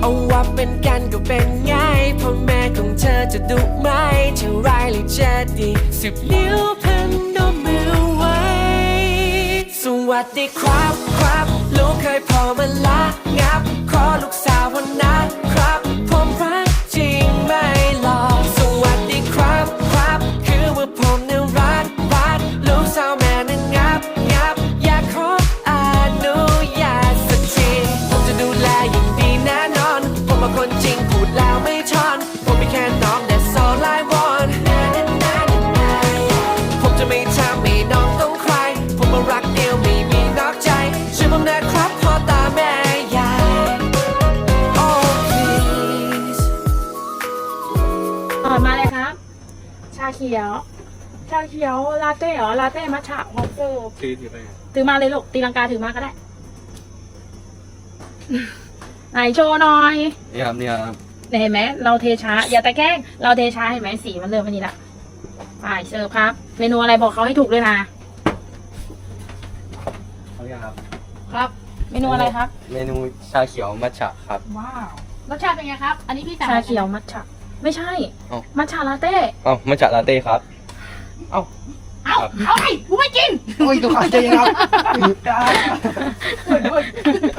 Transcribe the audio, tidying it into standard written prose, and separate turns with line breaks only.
เอาว่าเป็นกันก็เป็นไงพ่อแม่ของเธอจะดุไหมจะร้ายหรือจะดี10 นิ้วพันนมมือไว้สวัสดีครับครับลูกเคยพอมาละงับขอลูกสาววันนะครับผมรักจริงไม่หลอกสวัสดีครับครับคือว่าผมเนี่ยรักลูกสาวแม่เนี่ยงับอยากขออนุญาตสักทีผมจะดูแลอย่างดีแน่นอนผมเป็นคนจริงพูดแล้วไม่ชอนผมไม่แค่น้อง that's all I want ผมจะไม่ทำให้น้องต้องใครผมมารักเดียวไม่มีนอกใจช่วยผมนะครับพ่อตาแม่ยาย oh please
มาเลยครับ ชาเขียวลาเต้เหรอลาเต้มัทฉะฮอปเปอร์ถือมาเลยลูกตีลังกาถือมาก็ได้ ไหนโชว์หน่อย
นี่ครับ
เห็นไหมเราเทช้าอย่าตะแกล้งเราเทช้าเห็นไหมสีมันเริ่มมันนี้ละไปเสิร์ฟครับ เมนูอะไรบอกเขาให้ถูกด้วยนะ
เขาเรียกครับ
ครับ เมนูอะไรครับ
เมนูชาเขียวมัทฉะครับ
ว้าวรสชาติเป็นไงครับ อันนี้พี่สั่งชาเขียวมัทฉะไม่ใช่
เอ้า
มัทฉะลาเต้
เอ้ามัทฉะลาเต้ครับ
เอาไอ้กูไม่กิน
โอ้ยตัวขาดใจครับ